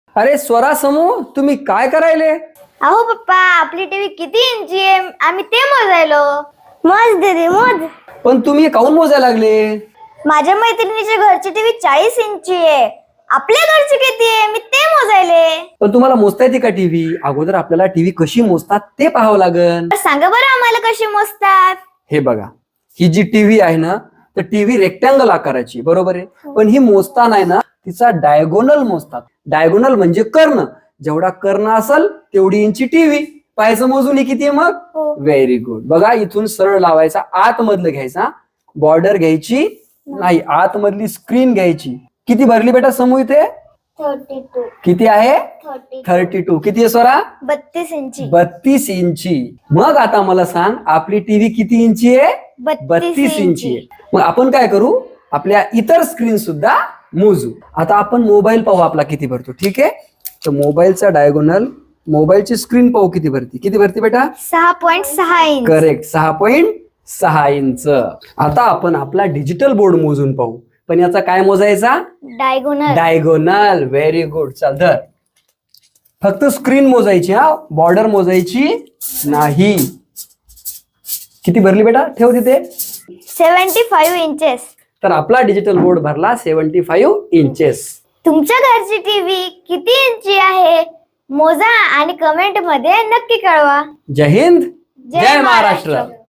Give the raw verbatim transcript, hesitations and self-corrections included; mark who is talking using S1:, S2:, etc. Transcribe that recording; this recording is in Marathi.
S1: अरे स्वरा समूह, तुम्ही काय करायले?
S2: अहो पप्पा, आपली टीव्ही किती इंची आहे आम्ही ते मोजायलो. मोज दीदी मोज.
S1: पण तुम्ही काऊन मोजायला लागले?
S2: माझ्या मैत्रिणीच्या घरची टीव्ही चाळीस इंची आहे, आपल्या घरची किती आहे मी ते मोजायले.
S1: पण तुम्हाला मोजता येते का टीव्ही? अगोदर आपल्याला टीव्ही कशी मोजतात ते पाहावं लागेल.
S2: तर सांगा बरं आम्हाला कशी मोजतात.
S1: हे बघा, ही जी टीव्ही आहे ना, तर टीव्ही रेक्टँगल आकाराची, बरोबर आहे. पण ही मोजताना आहे ना, तिचा डायगोनल मोजतात. डायगोनल म्हणजे कर्ण. जेवढा कर्ण असेल तेवढी इंची टीव्ही. पाहायचं मोजून ही किती आहे मग? Very good. बघा, इथून सरळ लावायचा, आतमधलं घ्यायचा, बॉर्डर घ्यायची नाही, आतमधली स्क्रीन घ्यायची. किती भरली बेटा समूह इथे?
S2: Thirty two.
S1: किती आहे? Thirty two. किती आहे स्वरा?
S2: बत्तीस इंची.
S1: बत्तीस इंची. मग आता मला सांग, आपली टीव्ही किती इंची आहे? बत्तीस इंची आहे. मग आपण काय करू, आपल्या इतर स्क्रीन सुद्धा मोजू. आता आपण मोबाईल पाहू आपला किती भरतो. ठीक आहे, तर मोबाईलचा डायगोनल, मोबाईलची स्क्रीन पाहू किती भरती. किती भरती बेटा?
S2: सहा पॉईंट सहा इंच.
S1: करेक्ट, सहा पॉईंट सहा इंच. आता आपण आपला डिजिटल बोर्ड मोजून पाहू. पण याचा काय मोजायचा?
S2: डायगोनल.
S1: डायगोनल. Very good. चल धर. फक्त स्क्रीन मोजायची, हा, बॉर्डर मोजायची नाही. किती भरली बेटा? ठेव तिथे.
S2: Seventy five inches.
S1: तर आपला डिजिटल बोर्ड भरला सेव्हन्टी फाईव्ह इंचेस.
S2: तुमच्या घरची टीव्ही किती इंची आहे मोजा आणि कमेंट मध्ये नक्की कळवा.
S1: जय हिंद, जय महाराष्ट्र.